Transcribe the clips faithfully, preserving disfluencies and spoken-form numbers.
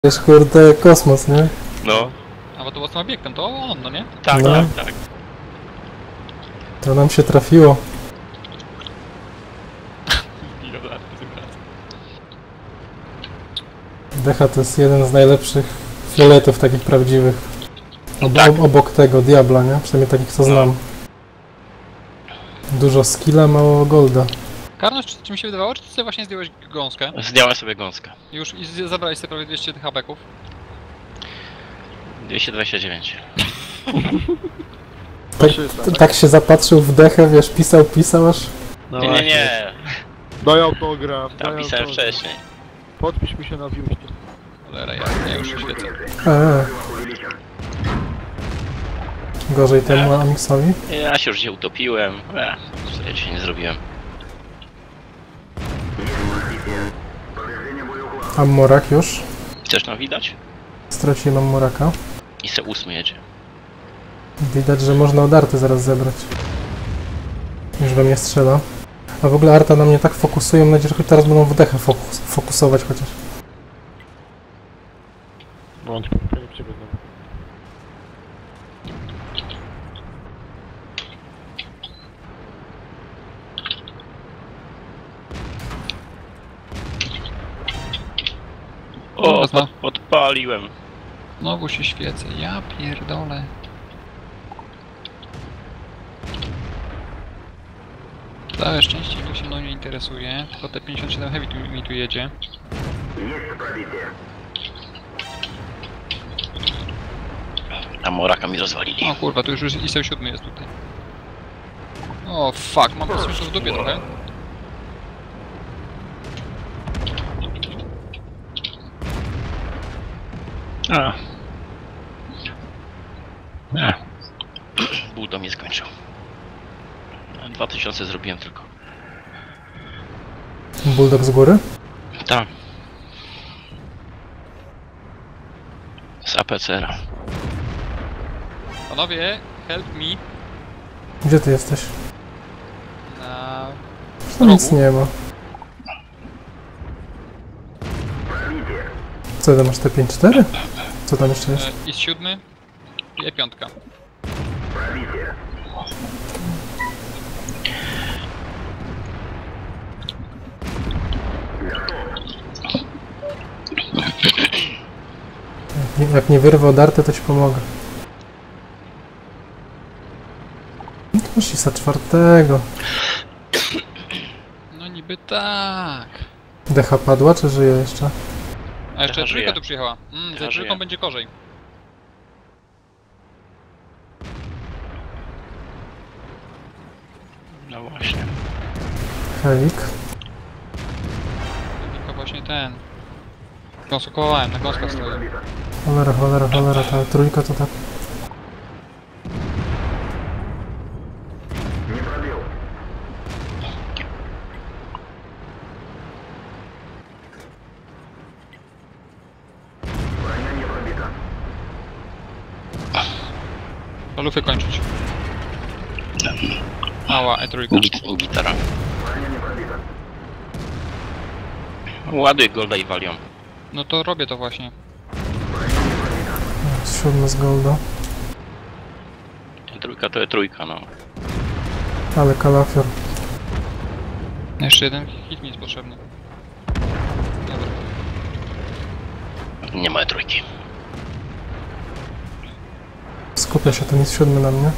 Wiesz, kurde, kosmos, nie? No. A bo to własnym obiektem, to on, no nie? Tak, No. tak, tak. To nam się trafiło. Decha to jest jeden z najlepszych fioletów takich prawdziwych. Ob Tak. Obok tego Diabla, nie? Przynajmniej takich co znam. Dużo skilla, mało golda. Karność, czy, czy mi się wydawało, czy ty sobie właśnie zdjąłeś gąskę? Zdjąłem sobie gąskę. Już i z- zabrałeś sobie prawie dwieście tych habeków. dwieście dwadzieścia dziewięć. Tak, tak się zapatrzył w dechę, wiesz, pisał, pisał aż... No Nie, nie, właśnie. nie. Daj autograf, Tam daj pisałem autograf. wcześniej. Podpisz mi się na biuście. Cholera, ja, ja już świecę. Eee. Gorzej temu Amixowi. Ja się już gdzie utopiłem. Eee, co ja dzisiaj nie zrobiłem. Ammorak już. Chcesz nam widać? Straciłem Ammoraka. I se ósmy jedzie. Widać, że można od arty zaraz zebrać. Już we mnie strzela. A w ogóle arta na mnie tak fokusuje, mam nadzieję, że choć teraz będą w dechę fokus fokusować chociaż. Bądź, pewnie przygodę. O, Mocno. pod, podpaliłem. Znowu się świecę, ja pierdolę. Całe szczęście to się mną nie interesuje, tylko te pięćdziesiąt siedem heavy tu, mi tu jedzie. A moraka mi rozwalili. O kurwa, tu już już I S O siedem jest tutaj. O fuck, mam po prostu w dupie trochę. A. A. Ból to mnie skończył. dwa tysiące zrobiłem tylko. Bulldog z góry? Tak. Z A P C R-a. Panowie, help me Gdzie ty jesteś? na... Tu nic nie ma. Co ty masz, te pięć cztery? Co tam jeszcze jest? E, I S siedem i E pięć. Jak nie, jak nie wyrwę od arty, to ci pomogę. No to masz I S A czwartego. No niby tak. Decha padła, czy żyje jeszcze? A jeszcze Decha trójka żyje. tu przyjechała. Mm, Decha za trójką żyje. będzie gorzej. No właśnie. Helik. Tylko właśnie ten. Konsultowałem, na gąskach stoję. Cholera, cholera, cholera, ta trójka to tak... Palufy kończyć. Mała E trzy. Git, gitara. Ładuj golda i walią. No to robię to właśnie. Siódmy z golda. Trójka to jest trójka, no. Ale kalafior. Jeszcze jeden hit mi jest potrzebny. Dobra. Nie ma trójki. Skupia się ten jest siódmy na mnie.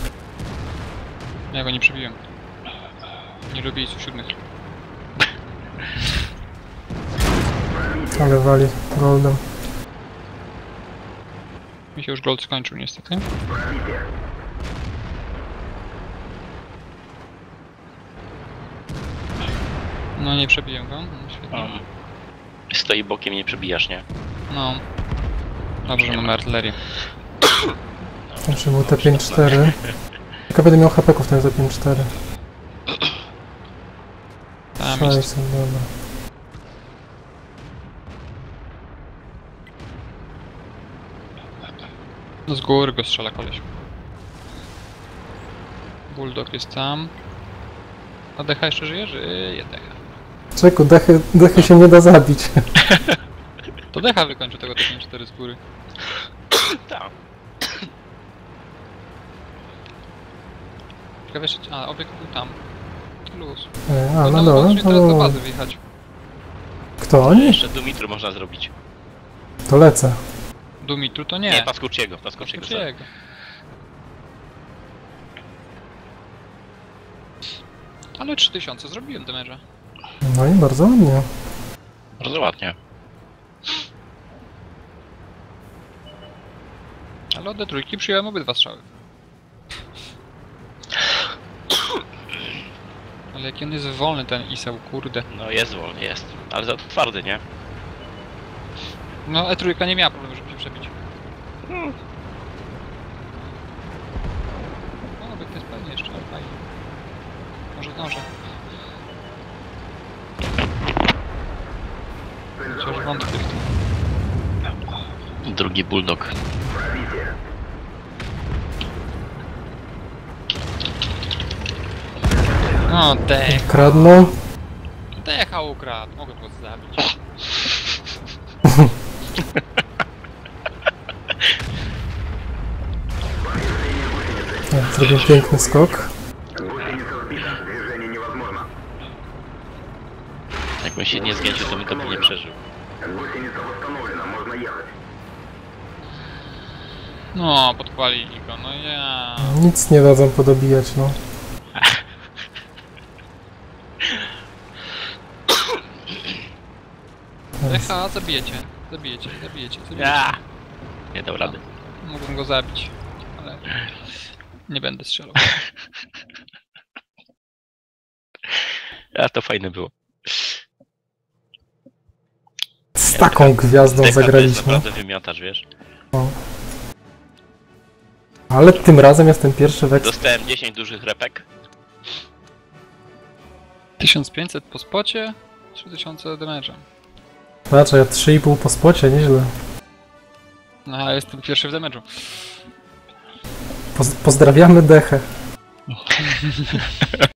Ja go nie przebiłem. Nie lubię I S O siedem. Ale wali goldem. Mi się już gold skończył niestety. No nie przebiłem go. No, świetnie. Um, stoi bokiem, nie przebijasz, nie? No. Dobrze, mamy artylerię. Znaczy był T pięć cztery. Jak ja będę miał hapeków ten za pięć cztery. Tam jest. sześćset, dobra. No z góry go strzela koleś. Bulldog jest tam. A Decha jeszcze żyje? Żyje Decha. Czeku, dechy, dechy się nie da zabić. To Decha wykończył tego T pięćdziesiąt cztery z góry. Tak. Ciekawe jeszcze... A, obiekt był tam. Luz. E, To A, na no, dole, możemy to teraz do było. bazy wjechać. Kto oni? Jeszcze Dumitru można zrobić. To lecę. Dumitru to nie. Nie, Paskurciego, Paskurciego. sorry. Paskurczyego. Ale trzy tysiące zrobiłem damage'a. No i bardzo ładnie. Bardzo ładnie. Ale od D trójki przyjąłem obydwa strzały. Ale jaki on jest wolny ten Iseł, kurde. No jest wolny, jest. Ale za to twardy, nie? No E trójka nie miała problemu, żeby się przebić. Hmm. No, obiekt jest pewnie jeszcze, ale fajnie. Może zdążę. Chociaż wątpię w tym. Drugi bulldog. No, dech. Kradną. Decha ukradł. Mogę go zabić. Ja zrobię piękny skok. Jakbym się nie zgęcił, to bym to by nie przeżył. No, podpalili go, no ja. Nic nie dadzą podobijać, no. Decha, zabijecie. Zabijecie, zabijecie, zabijecie. Ja! Nie dał rady. Mógłbym go zabić, ale nie będę strzelał. A to fajne było. Z taką gwiazdą Decha to jest zagraliśmy. naprawdę wymiotacz, wiesz? Ale tym razem jestem pierwszy w eks... Dostałem dziesięć dużych repek. tysiąc pięćset po spocie, trzy tysiące damage'a. Patrz, ja trzy i pół po spocie, nieźle. No, a jestem pierwszy w damage'u. Poz pozdrawiamy Dechę.